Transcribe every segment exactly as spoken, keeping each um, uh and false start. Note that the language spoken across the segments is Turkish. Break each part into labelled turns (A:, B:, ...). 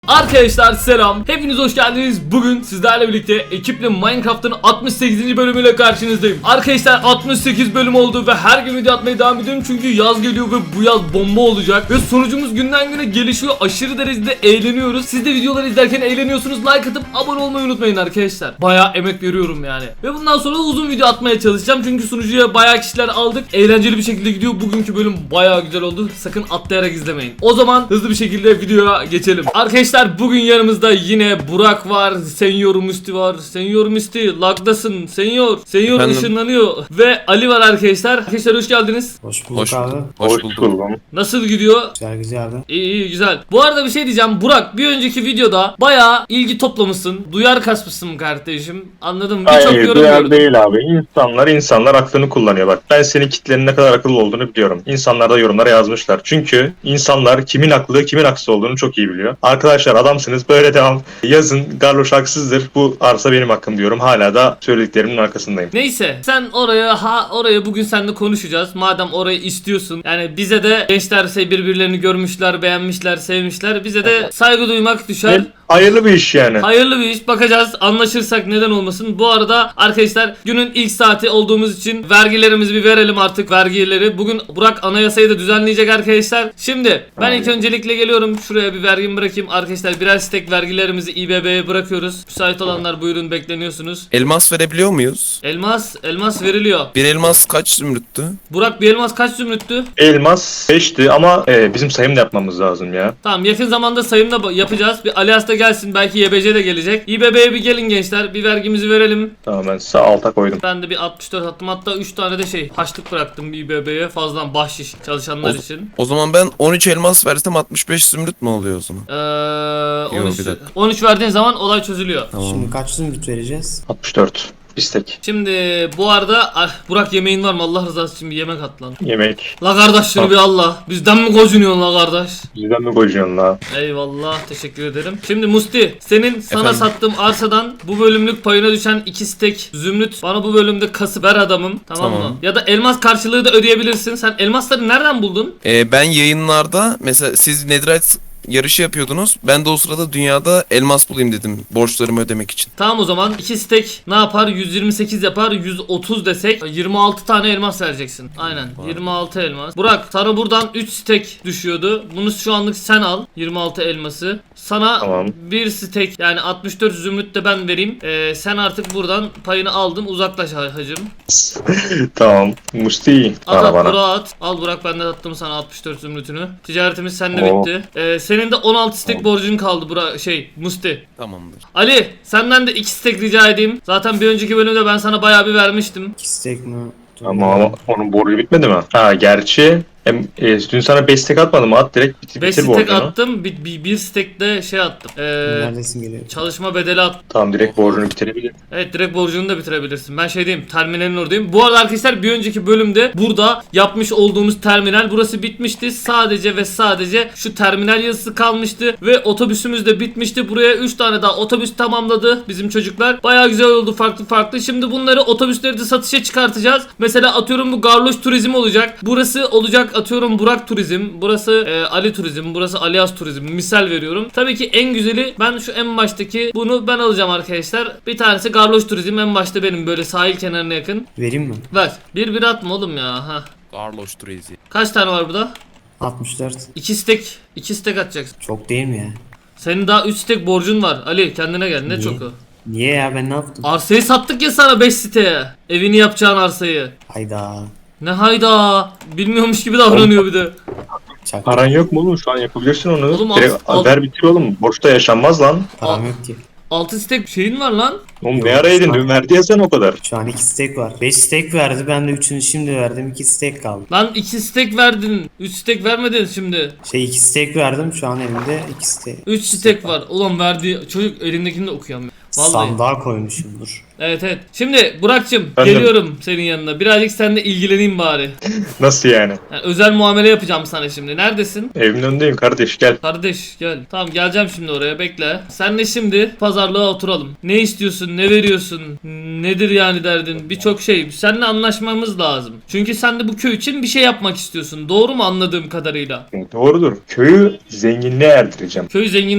A: Arkadaşlar selam, hepiniz hoş geldiniz. Bugün sizlerle birlikte ekiple Minecraft'ın altmış sekizinci bölümüyle karşınızdayım. Arkadaşlar altmış sekiz bölüm oldu ve her gün video atmaya devam ediyorum çünkü yaz geliyor ve bu yaz bomba olacak. Ve sonucumuz günden güne gelişiyor, aşırı derecede eğleniyoruz. Siz de videoları izlerken eğleniyorsunuz, like atıp abone olmayı unutmayın arkadaşlar. Bayağı emek veriyorum yani. Ve bundan sonra uzun video atmaya çalışacağım çünkü sunucuya bayağı kişiler aldık. Eğlenceli bir şekilde gidiyor, bugünkü bölüm bayağı güzel oldu. Sakın atlayarak izlemeyin. O zaman hızlı bir şekilde videoya geçelim. Arkadaşlar bugün yanımızda yine Burak var, Senyor Musti var. Senyor Musti lagdasın, Senyor. Senyor
B: Efendim?
A: ışınlanıyor ve Ali var arkadaşlar. Arkadaşlar hoş geldiniz.
C: Hoş bulduk
B: Hoş
C: abi.
B: bulduk. Hoş bulduk.
A: Nasıl gidiyor?
C: Güzel güzel abi.
A: İyi iyi güzel. Bu arada bir şey diyeceğim Burak, bir önceki videoda bayağı ilgi toplamışsın. Duyar kasmışsın kardeşim. Anladın mı? Birçok
D: Hayır,
A: yorum
D: duyar
A: gördüm.
D: değil abi. İnsanlar insanlar aklını kullanıyor. Bak ben senin kitlenin ne kadar akıllı olduğunu biliyorum. İnsanlar da yorumlara yazmışlar. Çünkü insanlar kimin haklı kimin haksız olduğunu çok iyi biliyor. Arkadaşlar adamsınız, böyle devam. Yazın Garloş haksızdır. Bu arsa benim hakkım diyorum. Hala da söylediklerimin arkasındayım.
A: Neyse sen oraya ha oraya bugün seninle konuşacağız. Madem orayı istiyorsun. Yani bize de gençler şey birbirlerini görmüşler, beğenmişler, sevmişler. Bize de saygı duymak düşer.
D: Ve hayırlı bir iş yani.
A: Hayırlı bir iş, bakacağız, anlaşırsak neden olmasın. Bu arada arkadaşlar günün ilk saati olduğumuz için vergilerimizi bir verelim artık, vergileri. Bugün Burak anayasayı da düzenleyecek arkadaşlar. Şimdi ben ilk öncelikle geliyorum, şuraya bir vergimi bırakayım arkadaşlar. Birer stek vergilerimizi İ B B'ye bırakıyoruz. Müsait olanlar buyurun, bekleniyorsunuz.
B: Elmas verebiliyor muyuz?
A: Elmas, elmas veriliyor.
B: Bir elmas kaç zümrüttü?
A: Burak bir elmas kaç zümrüttü?
D: Elmas beşti ama e, bizim sayım da yapmamız lazım ya.
A: Tamam, yakın zamanda sayım da ba- yapacağız. Bir Alias da gelsin, belki Y B C de gelecek. İ B B'ye bir gelin gençler, bir vergimizi verelim.
D: Tamam, ben sağ alta koydum.
A: Ben de bir altmış dört attım, hatta üç tane de şey haçlık bıraktım İ B B'ye, fazladan bahşiş çalışanlar
B: O-
A: için.
B: O zaman ben on üç elmas versem altmış beş zümrüt mü oluyor o zaman?
A: Ee,
B: Yok,
A: on üç,
B: bir dakika.
A: on üç verdiğin zaman olay çözülüyor.
B: Tamam.
C: Şimdi kaç zümrüt vereceğiz?
D: altmış dört. İstek.
A: Şimdi bu arada ah, Burak yemeğin var mı? Allah rızası için bir yemek at lan.
D: Yemek.
A: La kardeş şunu
D: Tamam.
A: bir Allah. Bizden mi gocunuyorsun la kardeş?
D: Bizden mi koyacaksın la?
A: Eyvallah, teşekkür ederim. Şimdi Musti, senin sana
B: Efendim?
A: sattığım arsadan bu bölümlük payına düşen iki stek zümrüt bana bu bölümde kasıp ver adamım, tamam,
B: Tamam.
A: mı? Ya da elmas karşılığı da ödeyebilirsin. Sen elmasları nereden buldun?
B: Ee, ben yayınlarda mesela siz Netherite yarışı yapıyordunuz. Ben de o sırada dünyada elmas bulayım dedim borçlarımı ödemek için.
A: Tamam, o zaman iki stek ne yapar? yüz yirmi sekiz yapar. yüz otuz desek yirmi altı tane elmas vereceksin. Aynen. yirmi altı elmas. Burak, sana buradan üç stek düşüyordu. Bunu şu anlık sen al. yirmi altı elması. Sana
D: Tamam.
A: bir stek, yani altmış dört zümrüt de ben vereyim. Ee, sen artık buradan payını aldın. Uzaklaş ha- hacım.
D: Tamam. Musti
A: At
D: bana
A: at
D: bana.
A: Burak'a at. Al Burak, ben de attım sana altmış dört zümrütünü. Ticaretimiz seninle
D: Oo.
A: bitti. Ee, senin de on altı stek borcun kaldı Burak, şey Musti.
B: Tamamdır.
A: Ali, senden de iki stek rica edeyim. Zaten bir önceki bölümde ben sana bayağı bir vermiştim.
C: İki steak mi? Dur
D: Ama,
C: bakalım.
D: ama onun borcu bitmedi mi? Ha gerçi hem, e, dün sana beş tek atmadım mı? At direkt bitir,
A: beş
D: bitir
A: stek
D: borcunu.
A: attım. Bir, bir, bir stek de şey attım. Ee,
C: Neredesin geliyor?
A: çalışma bedeli attım.
D: Tamam, direkt borcunu bitirebilir.
A: Evet, direkt borcunu da bitirebilirsin. Ben şey diyeyim, terminalin oradayım. Bu arada arkadaşlar bir önceki bölümde burada yapmış olduğumuz terminal burası bitmişti. Sadece ve sadece şu terminal yazısı kalmıştı ve otobüsümüz de bitmişti. Buraya üç tane daha otobüs tamamladı bizim çocuklar. Bayağı güzel oldu, farklı farklı. Şimdi bunları, otobüsleri de satışa çıkartacağız. Mesela atıyorum bu Garloş Turizm olacak. Burası olacak atıyorum Burak Turizm. Burası e, Ali Turizm. Burası Alias Turizm. Misal veriyorum. Tabii ki en güzeli, ben şu en baştaki bunu ben alacağım arkadaşlar. Bir tanesi Garloş Turizm, en başta benim, böyle sahil kenarına yakın.
C: Vereyim mi?
A: Ver. Bir bir atma oğlum ya. Ha.
B: Garloş Turezi.
A: Kaç tane var burada?
C: altmış dört.
A: İki stek. iki stek atacaksın.
C: Çok değil mi ya?
A: Senin daha üç stek borcun var. Ali kendine gel. Ne
C: Niye?
A: çok o.
C: Niye ya, ben ne yaptım?
A: Arsayı sattık ya sana, beş siteye. Evini yapacağın arsayı.
C: Hayda.
A: Ne hayda. Bilmiyormuş gibi davranıyor bir de.
C: Çak.
D: Paran yok mu oğlum? Şu an yapabilirsin onu.
A: Oğlum,
D: direkt
A: al- al-
D: ver bitir oğlum. Boşta yaşanmaz lan.
C: Param yok ki.
A: Altı stek şeyin var lan.
D: Oğlum
C: Yok,
D: ne ara yedin?
C: şu an-
D: Dün verdi ya sen o kadar.
C: Şu an iki steak var. beş steak verdi, ben de üçünü şimdi verdim. iki steak kaldı.
A: Lan iki stek verdin. Üç stek vermedin şimdi.
C: Şey iki steak verdim, şu an elimde iki steak.
A: Üç stek var. Ulan verdiği çocuk elindekini de okuyamıyor. Vallahi.
C: Sandığa koymuşumdur.
A: Evet evet. Şimdi Burak'cığım
D: Ben de-
A: geliyorum senin yanına. Birazcık seninle ilgileneyim bari.
D: Nasıl yani?
A: Yani özel muamele yapacağım sana şimdi. Neredesin?
D: Evimin önündeyim kardeş, gel.
A: Kardeş gel. Tamam, geleceğim şimdi oraya, bekle. Senle şimdi pazarlığa oturalım. Ne istiyorsun? Ne veriyorsun? Nedir yani derdin? Birçok şey. Seninle anlaşmamız lazım. Çünkü sen de bu köy için bir şey yapmak istiyorsun. Doğru mu anladığım kadarıyla?
D: Doğrudur. Köyü zenginliğe erdireceğim.
A: Köy zenginliği.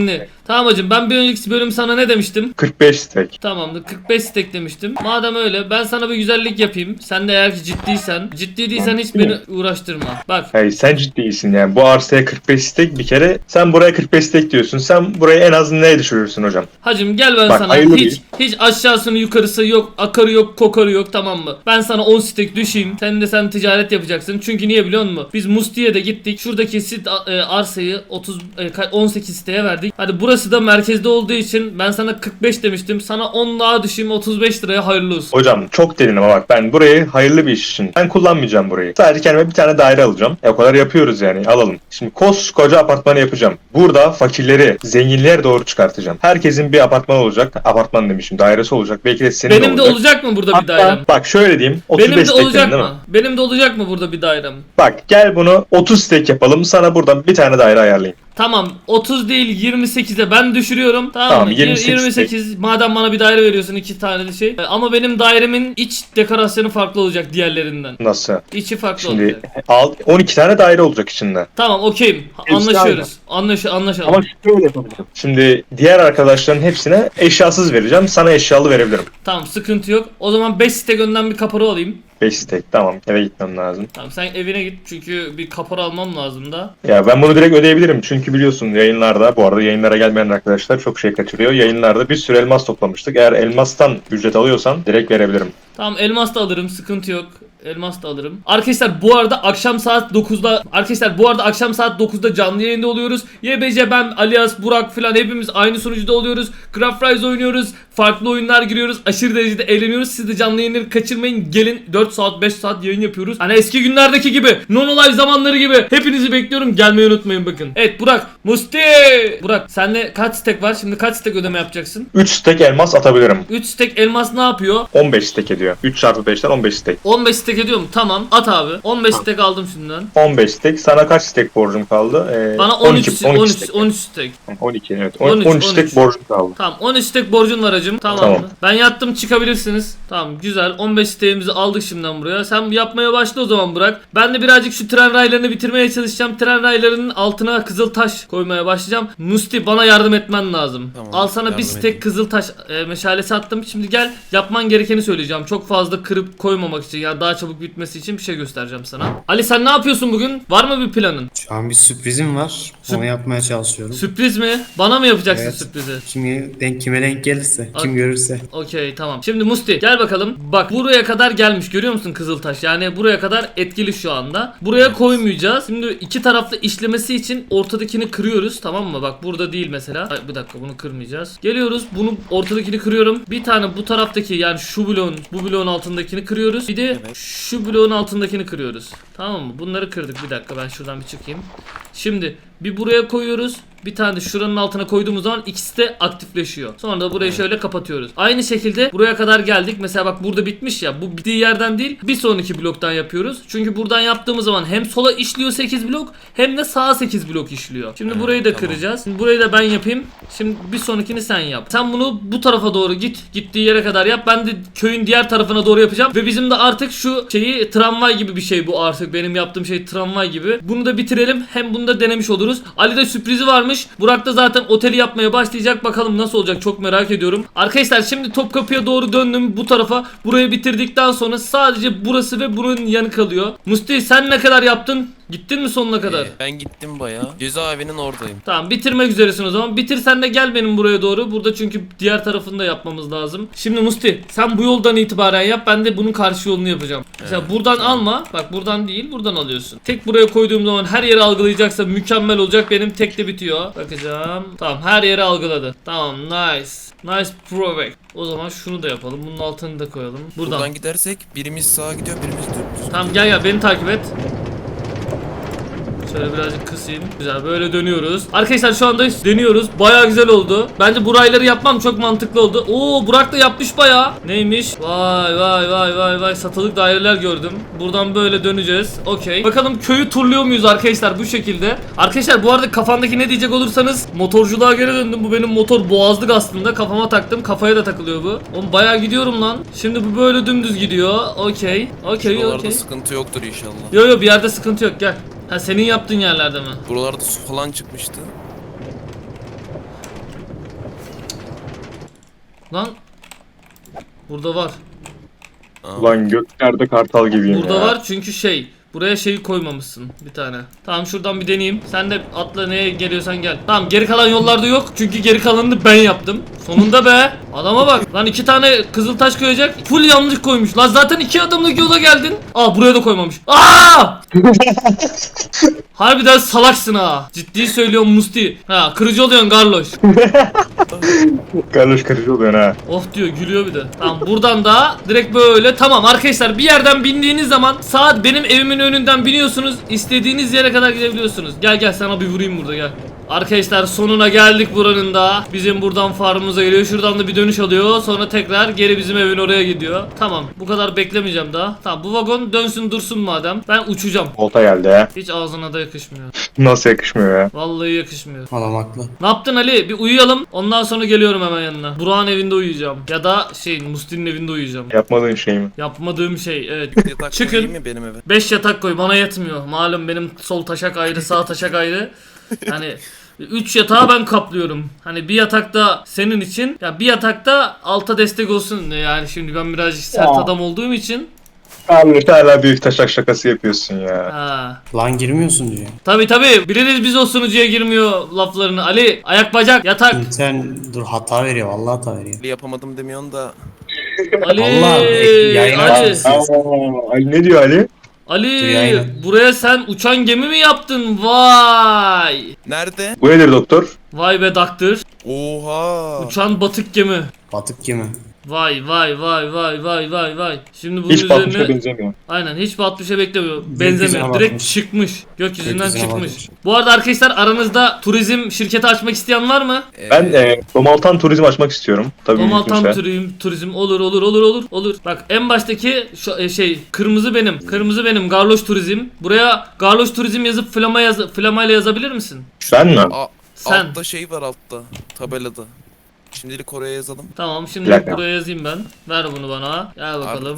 A: Tamam hacım, ben bir önceki bölüm sana ne demiştim?
D: kırk beş stek.
A: Tamamdır, kırk beş stek demiştim. Madem öyle, ben sana bir güzellik yapayım. Sen de eğer ki ciddiysen, ciddi değilsen hiç beni uğraştırma. Bak.
D: Hayır sen ciddisin yani. Bu arsaya kırk beş stek bir kere. Sen buraya kırk beş stek diyorsun. Sen burayı en az neye düşürürsün hocam?
A: Hacım gel ben
D: Bak,
A: sana
D: hayırlı
A: hiç
D: değil.
A: hiç aşağısını yukarısı yok, akarı yok, kokarı yok, tamam mı? Ben sana on stek düşeyim. Sen de sen ticaret yapacaksın. Çünkü niye biliyor musun? Biz Musti'ye de gittik. Şuradaki sit e, arsayı otuz e, ka- on sekiz siteye verdik. Hadi burası da merkezde olduğu için ben sana kırk beş demiştim. Sana on daha düşeyim, otuz beş liraya hayırlı olsun.
D: Hocam çok derin ama bak ben burayı hayırlı bir iş için. Ben kullanmayacağım burayı. Sadece kendime bir tane daire alacağım. E, o kadar yapıyoruz yani, alalım. Şimdi koskoca apartmanı yapacağım. Burada fakirleri zenginliğe doğru çıkartacağım. Herkesin bir apartman olacak. Apartman demişim, dairesi olacak. Belki de senin
A: Benim de
D: olacak.
A: olacak mı burada bir
D: Hatta
A: dairem?
D: bak şöyle diyeyim. otuz beş
A: Benim de
D: stek
A: olacak
D: dedin değil
A: mı?
D: mi?
A: Benim de olacak mı burada bir dairem?
D: Bak gel bunu otuz stek yapalım. Sana buradan bir tane daire ayarlayayım.
A: Tamam, otuz değil yirmi sekize ben düşürüyorum. Tamam,
D: Tamam,
A: mı?
D: yirmi sekiz
A: yirmi sekiz madem bana bir daire veriyorsun, iki tane de şey. Ama benim dairemin iç dekorasyonu farklı olacak diğerlerinden.
D: Nasıl?
A: İçi farklı
D: Şimdi
A: olacak.
D: al, on iki tane daire olacak içinde.
A: Tamam, okeyim. Anlaşıyoruz. Anlaş anlaşalım.
D: şöyle yapabilirim. Şimdi diğer arkadaşların hepsine eşyasız vereceğim. Sana eşyalı verebilirim.
A: Tamam, sıkıntı yok. O zaman beş stek önden bir kapora alayım.
D: beş stek, tamam, eve gitmem lazım.
A: Tamam, sen evine git çünkü bir kapora almam lazım da.
D: Ya ben bunu direkt ödeyebilirim çünkü biliyorsun yayınlarda, bu arada yayınlara gelmeyen arkadaşlar çok şey kaçırıyor. Yayınlarda bir sürü elmas toplamıştık. Eğer elmastan ücret alıyorsan direkt verebilirim.
A: Tamam, elmas da alırım, sıkıntı yok. Elmas da alırım. Arkadaşlar bu arada akşam saat dokuzda Arkadaşlar bu arada akşam saat dokuzda canlı yayında oluyoruz. Y B C, ben, Alias, Burak filan hepimiz aynı sunucuda oluyoruz. Craft Rise oynuyoruz. Farklı oyunlar giriyoruz. Aşırı derecede eğleniyoruz. Siz de canlı yayınları kaçırmayın. Gelin, dört saat beş saat yayın yapıyoruz. Hani eski günlerdeki gibi, Nono Live zamanları gibi. Hepinizi bekliyorum. Gelmeyi unutmayın bakın. Evet Burak, Musti. Burak, sende kaç stek var? Şimdi kaç stek ödeme yapacaksın?
D: üç stek elmas atabilirim.
A: üç stek elmas ne yapıyor?
D: on beş stek ediyor. üç çarpı beşten on beş stek.
A: on beş stek ediyor mu? Tamam, at abi. on beş stek aldım şimdiden.
D: on beş stek. Sana kaç stek borcum kaldı? Ee,
A: Bana on üç on üç on üç stek.
D: on iki evet.
A: on üç,
D: on üç
A: on üç.
D: stek borcum kaldı.
A: Tamam, on üç stek borcun var hacım. Tamam,
D: Tamam.
A: mı? Ben yattım, çıkabilirsiniz. Tamam, güzel. on beş stekimizi aldık şimdiden buraya. Sen yapmaya başla o zaman Burak. Ben de birazcık şu tren raylarını bitirmeye çalışacağım. Tren raylarının altına kızıl taş koymaya başlayacağım. Musti, bana yardım etmen lazım.
B: Tamam,
A: Al sana bir
B: yardım
A: stek
B: edeyim.
A: kızıl taş e, meşalesi attım. Şimdi gel, yapman gerekeni söyleyeceğim. Çok fazla kırıp koymamak için, ya daha çabuk bitmesi için bir şey göstereceğim sana. Ali, sen ne yapıyorsun bugün? Var mı bir planın?
C: Şu an bir sürprizim var.
A: Sürp-
C: Onu yapmaya çalışıyorum.
A: Sürpriz mi? Bana mı yapacaksın
C: Evet.
A: sürprizi?
C: Şimdi denk kime denk gelirse,
A: Ak-
C: kim görürse.
A: Okey, tamam. Şimdi Musti gel bakalım. Bak, buraya kadar gelmiş, görüyor musun Kızıltaş? Yani buraya kadar etkili şu anda. Buraya koymayacağız. Şimdi iki taraflı işlemesi için ortadakini kırıyoruz, tamam mı? Bak burada değil mesela. Ay, bir dakika, bunu kırmayacağız. Geliyoruz, bunu ortadakini kırıyorum. Bir tane bu taraftaki, yani şu bloğun bu bloğun altındakini kırıyoruz. Bir de
B: Evet.
A: şu bloğun altındakini kırıyoruz. Tamam mı? Bunları kırdık. Bir dakika, ben şuradan bir çıkayım. Şimdi bir buraya koyuyoruz. Bir tane de şuranın altına koyduğumuz zaman ikisi de aktifleşiyor. Sonra da burayı şöyle kapatıyoruz. Aynı şekilde buraya kadar geldik. Mesela bak, burada bitmiş ya. Bu bittiği yerden değil, bir sonraki bloktan yapıyoruz. Çünkü buradan yaptığımız zaman hem sola işliyor sekiz blok, hem de sağa sekiz blok işliyor. Şimdi
B: Evet,
A: burayı da
B: tamam.
A: kıracağız. Şimdi burayı da ben yapayım. Şimdi bir sonrakini sen yap. Sen bunu bu tarafa doğru git. Gittiği yere kadar yap. Ben de köyün diğer tarafına doğru yapacağım. Ve bizim de artık şu şeyi, tramvay gibi bir şey bu artık. Benim yaptığım şey tramvay gibi. Bunu da bitirelim. Hem bunu da denemiş oluruz. Ali de sürprizi varmış. Burak da zaten oteli yapmaya başlayacak. Bakalım nasıl olacak, çok merak ediyorum. Arkadaşlar şimdi Topkapı'ya doğru döndüm bu tarafa. Burayı bitirdikten sonra sadece burası ve bunun yanı kalıyor. Musti, sen ne kadar yaptın? Gittin mi sonuna kadar?
B: Ee, ben gittim bayağı. Cezaevinin oradayım.
A: Tamam, bitirmek üzeresin o zaman. Bitirsen de gel benim buraya doğru. Burada çünkü diğer tarafını da yapmamız lazım. Şimdi Musti, sen bu yoldan itibaren yap. Ben de bunun karşı yolunu yapacağım. Mesela buradan alma. Bak, buradan değil, buradan alıyorsun. Tek buraya koyduğum zaman her yeri algılayacaksa mükemmel olacak. Benim tek de bitiyor. Bakacağım. Tamam, her yeri algıladı. Tamam, nice. Nice perfect. O zaman şunu da yapalım. Bunun altını da koyalım. Buradan.
B: Buradan gidersek birimiz sağa gidiyor, birimiz düz.
A: Tamam, gel gel beni takip et. Şöyle birazcık kısayım. Güzel, böyle dönüyoruz. Arkadaşlar şu anda deniyoruz. Bayağı güzel oldu. Bence bu rayları yapmam çok mantıklı oldu. Oo, Burak da yapmış bayağı. Neymiş? Vay vay vay vay vay. Satılık daireler gördüm. Buradan böyle döneceğiz. Okey. Bakalım köyü turluyor muyuz arkadaşlar bu şekilde. Arkadaşlar bu arada kafandaki ne diyecek olursanız, motorculuğa geri döndüm. Bu benim motor boğazlık aslında. Kafama taktım. Kafaya da takılıyor bu. Oğlum bayağı gidiyorum lan. Şimdi bu böyle dümdüz gidiyor. Okey. Okey
B: Buralarda
A: okey.
B: sıkıntı yoktur inşallah.
A: Yo yo, bir yerde sıkıntı yok, gel. Ha, senin yaptığın yerlerde mi?
B: Buralarda su falan çıkmıştı.
A: Lan. Burada var.
D: Ulan göklerde kartal gibiyim
A: Burada
D: ya.
A: var çünkü şey. Buraya şeyi koymamışsın bir tane. Tamam şuradan bir deneyeyim. Sen de atla neye geliyorsan gel. Tamam geri kalan yollarda yok. Çünkü geri kalanını ben yaptım. Sonunda be. Adama bak. Lan iki tane kızıl taş koyacak. Full yanlış koymuş. Lan zaten iki adımlık yola geldin. Aa buraya da koymamış. Aa! Harbiden salaksın ha. Ciddi söylüyorum Musti. Ha kırıcı oluyorsun Garloş.
D: Karış karıcı oluyorsun ha.
A: Oh diyor gülüyor bir de. Tamam buradan da direkt böyle tamam arkadaşlar bir yerden bindiğiniz zaman saat benim evimin önünden biniyorsunuz. İstediğiniz yere kadar gidebiliyorsunuz. Gel gel sana bir vurayım burada gel. Arkadaşlar sonuna geldik buranın da. Bizim buradan farmımıza geliyor. Şuradan da bir dönüş alıyor. Sonra tekrar geri bizim evin oraya gidiyor. Tamam bu kadar beklemeyeceğim daha. Tamam bu vagon dönsün dursun madem. Ben uçacağım.
D: Volta geldi ya.
A: Hiç ağzına da yakışmıyor.
D: Nasıl yakışmıyor ya.
A: Vallahi yakışmıyor.
C: Adam haklı.
A: Ne yaptın Ali? Bir uyuyalım. Ondan sonra geliyorum hemen yanına. Burak'ın evinde uyuyacağım. Ya da şey Musti'nin evinde uyuyacağım.
D: Yapmadığın şey mi?
A: Yapmadığım şey evet.
B: Yatak
A: Çıkın.
B: koyayım mı benim eve?
A: beş yatak koy bana yetmiyor. Malum benim sol taşak ayrı sağ taşak ayrı. Hani üç yatağı ben kaplıyorum. Hani bir yatakta senin için ya bir yatakta alta destek olsun yani şimdi ben birazcık sert
D: Ya.
A: adam olduğum için.
D: Abi hala büyük taşak şakası yapıyorsun ya.
A: Ha.
C: Lan girmiyorsun diyor.
A: Tabi tabi biliriz biz o sunucuya girmiyor laflarını. Ali ayak bacak yatak.
C: Sen dur hata veriyor vallahi hata veriyor.
B: Yapamadım demiyorsun da.
A: Ali
C: Allah, yayına
A: Ali
C: açmışsın.
D: Aa, Ali ne diyor Ali?
A: Ali
C: Dünyayla.
A: buraya sen uçan gemi mi yaptın? Vay.
B: Nerede?
D: Bu nedir doktor?
A: Vay be daktır.
B: Oha.
A: Uçan batık gemi.
C: Batık kimi?
A: Vay vay vay vay vay vay vay. Şimdi bunun
D: Hiç batmışa
A: üzerine
D: benzemiyor.
A: aynen hiç batmışa beklemiyor.
C: Gökyüzüne
A: Benzemiyor. Direkt
C: bakmış.
A: çıkmış. Gökyüzünden
C: Gökyüzüne
A: çıkmış.
C: bakmış.
A: Bu arada arkadaşlar aranızda turizm şirketi açmak isteyen var mı?
B: Ee,
D: Ben e, Domaltan turizm açmak istiyorum. Tabii
A: Domaltan
D: mümkünse.
A: turizm, turizm olur olur olur olur olur. Bak en baştaki şu, e, şey kırmızı benim. Kırmızı benim Garloş Turizm. Buraya Garloş Turizm yazıp flama yaz flamayla yazabilir misin?
D: Ben mi?
B: a-
A: Sen.
B: Altta şey var altta. Tabelada. Şimdilik oraya yazalım.
A: Tamam şimdi
D: Bir dakika.
A: buraya yazayım ben. Ver bunu bana. Gel bakalım.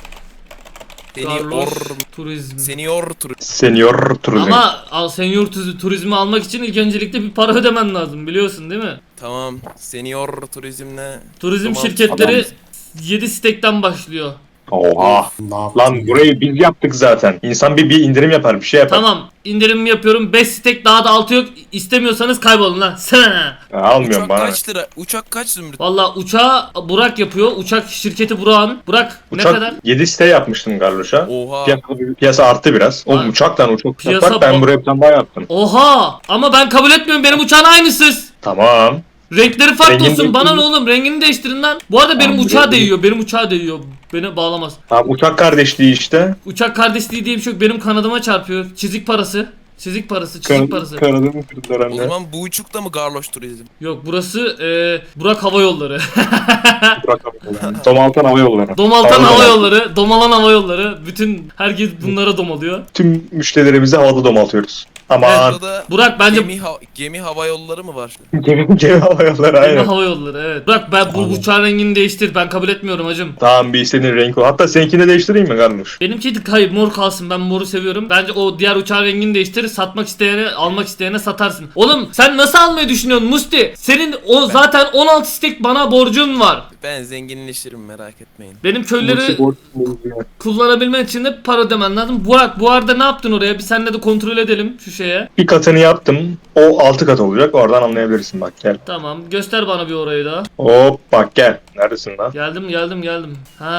B: Senior
A: Garloş Turizm.
B: Senior tur.
D: Senior turizm.
A: Ama al senior tuzi- turizmi almak için ilk öncelikle bir para ödemen lazım biliyorsun değil mi?
B: Tamam. Senior turizmle.
A: Turizm
B: Tamam,
A: şirketleri
D: adam.
A: yedi stekten başlıyor.
D: Oha.
C: Ne yaptın?
D: Lan burayı biz yaptık zaten. İnsan bir, bir indirim yapar, bir şey yapar.
A: Tamam indirim yapıyorum beş stek daha da altı yok. İstemiyorsanız kaybolun lan. Sana.
D: Ya, almıyorum
B: Uçak
D: bana.
B: kaç lira? Uçak kaç zümrüt?
A: Valla uçağı Burak yapıyor. Uçak şirketi Burak'ın. Burak ne
D: Uçak
A: kadar?
D: yedi site yapmıştım Garloş'a.
B: Oha.
D: Piyasa, piyasa arttı biraz. O
A: Ha.
D: uçaktan uçak
A: Piyasa
D: yapar. Ben
A: bak-
D: buraya bir tane daha yaptım.
A: Oha ama ben kabul etmiyorum benim uçağın aynısız.
D: Tamam.
A: Renkleri farklı
D: Rengini
A: olsun bana ne
D: değiştirin.
A: oğlum rengini değiştirin lan. Bu arada benim
D: Tamam,
A: uçağa
D: rengini-
A: değiyor benim uçağa değiyor. Beni bağlamaz.
D: Tamam uçak kardeşliği işte.
A: Uçak kardeşliği diye bir şey yok benim kanadıma çarpıyor. Çizik parası. Çizik parası çizik parası.
D: Kanadımı kırdılar
B: O
D: anne.
B: zaman bu uçuk da mı Garloş turizm?
A: Yok burası e, Burak Hava Yolları.
D: Burak Hava Yolları. Domaltan Hava Yolları.
A: Domaltan
D: Hava
A: Hava
D: Yolları.
A: Yolları. Domalan Hava Yolları. Bütün herkes bunlara domalıyor.
D: Tüm müşterilerimizi havada domaltıyoruz. Aman.
B: Burada
A: Burak bence
B: gemi, ha- gemi hava yolları mı var?
D: Gemi, gemi hava yolları
A: Gemi
D: aynen.
A: Hava Yolları evet. Burak ben bu
C: Aynen.
A: uçağın rengini değiştir. Ben kabul etmiyorum hacım.
D: Tamam bir istediğin renk o. Hatta seninkini de değiştireyim mi Garloş?
A: Benimki de hayır mor kalsın. Ben moru seviyorum. Bence o diğer uçağın rengini değiştir. Satmak isteyene, almak isteyene satarsın. Oğlum sen nasıl almayı düşünüyorsun Musti? Senin o zaten on altı stek bana borcun var.
B: Ben zenginleşirim merak etmeyin.
A: Benim köyleri kullanabilmen için de para ödemen lazım. Burak bu arada ne yaptın oraya? Bir seninle de kontrol edelim şu şeye.
D: Bir katını yaptım. O altı kat olacak. Oradan anlayabilirsin bak gel.
A: Tamam göster bana bir orayı da.
D: Hop bak gel. Neredesin lan?
A: Geldim geldim geldim.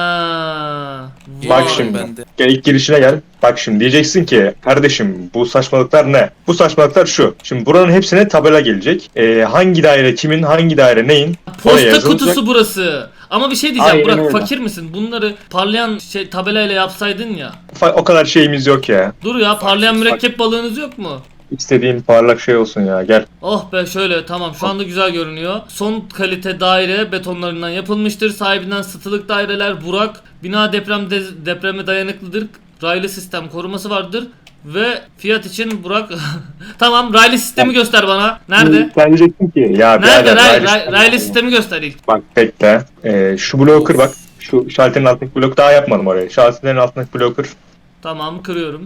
A: Ha.
D: Bak
A: vay.
D: şimdi.
B: Ben de.
D: Gel ilk girişine gel. Bak şimdi diyeceksin ki kardeşim bu saçmalıklar ne? Bu saçmalıklar şu. Şimdi buranın hepsine tabela gelecek. Ee, hangi daire kimin, hangi daire neyin? oraya
A: Posta
D: yazılacak.
A: kutusu burası. Ama bir şey diyeceğim
D: Aynen
A: Burak
D: öyle.
A: fakir misin? Bunları parlayan şey tabelayla yapsaydın ya.
D: Fa- O kadar şeyimiz yok ya.
A: Dur ya parlayan
D: Fakir,
A: mürekkep balığınız yok mu?
D: İstediğin parlak şey olsun ya gel.
A: Oh be şöyle tamam şu anda güzel görünüyor. Son kalite daire betonlarından yapılmıştır. Sahibinden satılık daireler Burak. Bina deprem de- depreme dayanıklıdır. Raylı sistem koruması vardır. Ve fiyat için Burak tamam raylı sistemi göster bana. Nerede?
D: Sen diyeceksin ki ya
A: Nerede
D: birader,
A: ray,
D: raylı
A: ray,
D: sistem-
A: raylı sistemi göster ilk.
D: Bak bekle. Ee, şu bloğu kır bak. Şu şalterin altındaki blok daha yapmadım oraya. Şalterin altındaki bloğu kır.
A: Tamam kırıyorum.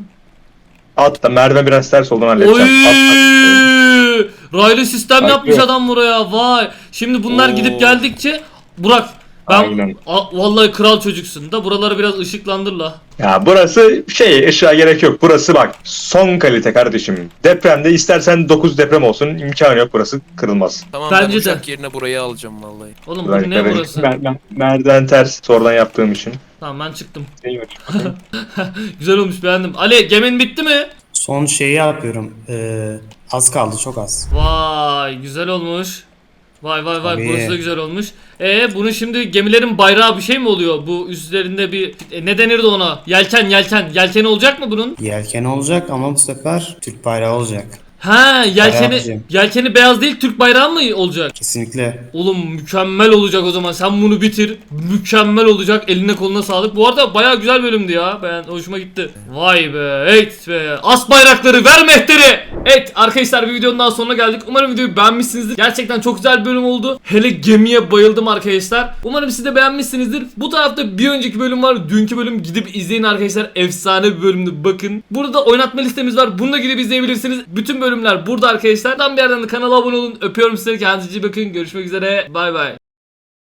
D: At da merdiven biraz ters olduğunu halledeceğim.
A: Oy!
D: At, at.
A: Raylı sistem
D: Bak,
A: yapmış
D: yok.
A: adam buraya. Vay. Şimdi bunlar
B: Oo.
A: gidip geldikçe Burak ben
D: Aynen.
A: A- vallahi kral çocuksun da buraları biraz ışıklandır la.
D: Ya burası şey, ışığa gerek yok. Burası bak son kalite kardeşim. Depremde istersen dokuz deprem olsun, imkanı yok, burası kırılmaz.
B: Tamam
A: Bence
B: ben
A: de.
B: uçak yerine burayı alacağım vallahi.
A: Oğlum bu
D: Bak,
A: ne
D: evet.
A: burası?
D: Mer- mer- merdiven ters sonradan yaptığım için.
A: Tamam ben çıktım. Güzel olmuş, beğendim. Ali gemin bitti mi?
C: Son şeyi yapıyorum. Ee, az kaldı, çok az.
A: Vay güzel olmuş. Vay vay vay,
C: Tabii.
A: burası da güzel olmuş. E bunu şimdi gemilerin bayrağı bir şey mi oluyor? Bu üstlerinde bir e, ne denirdi ona? Yelken yelken. Yelken olacak mı bunun?
C: Yelken olacak ama bu sefer Türk bayrağı olacak.
A: Ha yelkeni
C: Bayrağı.
A: yelkeni beyaz değil, Türk bayrağı mı olacak?
C: Kesinlikle.
A: Oğlum mükemmel olacak o zaman. Sen bunu bitir. Mükemmel olacak. Eline koluna sağlık. Bu arada bayağı güzel bölümdü ya. Ben hoşuma gitti. Vay be. Evet be. As bayrakları, ver mehteri. Evet arkadaşlar, bir videonun daha sonuna geldik. Umarım videoyu beğenmişsinizdir. Gerçekten çok güzel bir bölüm oldu. Hele gemiye bayıldım arkadaşlar. Umarım siz de beğenmişsinizdir. Bu tarafta bir önceki bölüm var. Dünkü bölüm, gidip izleyin arkadaşlar. Efsane bir bölümdü, bakın. Burada oynatma listemiz var. Bunu da gidip izleyebilirsiniz. Bütün bölümler burada arkadaşlar. Tam bir yerden de kanala abone olun. Öpüyorum sizleri. Kendinize iyi bakın. Görüşmek üzere. Bay bay.